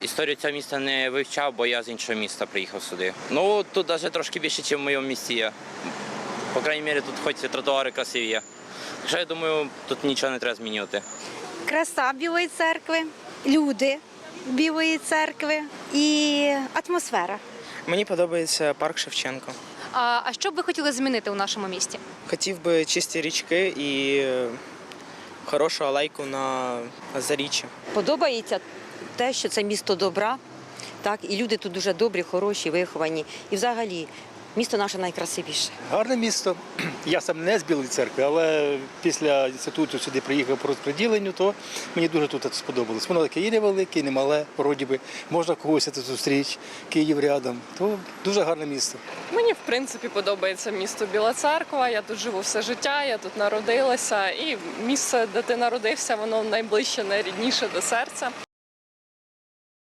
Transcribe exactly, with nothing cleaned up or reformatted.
Історію цього міста не вивчав, бо я з іншого міста приїхав сюди. Ну, тут навіть трошки більше, ніж в моєму місті є. По крайній мірі, тут хоч тротуари красиві є. Хоча, я думаю, тут нічого не треба змінювати. Краса Білої церкви, люди Білої церкви і атмосфера. Мені подобається парк Шевченко. А, а що б ви хотіли змінити у нашому місті? Хотів би чисті річки і е, хорошу алейку на Заріччі. Подобається те, що це місто добра, так, і люди тут дуже добрі, хороші, виховані. І взагалі місто наше найкрасивіше. Гарне місто. Я сам не з Білої церкви, але після інституту сюди приїхав по розподіленню, то мені дуже тут сподобалось. Воно таке і невелике, і немале, вроді би, можна когось тут зустріч, Київ рядом. То дуже гарне місто. Мені, в принципі, подобається місто Біла Церква. Я тут живу все життя, я тут народилася. І місце, де ти народився, воно найближче, найрідніше до серця.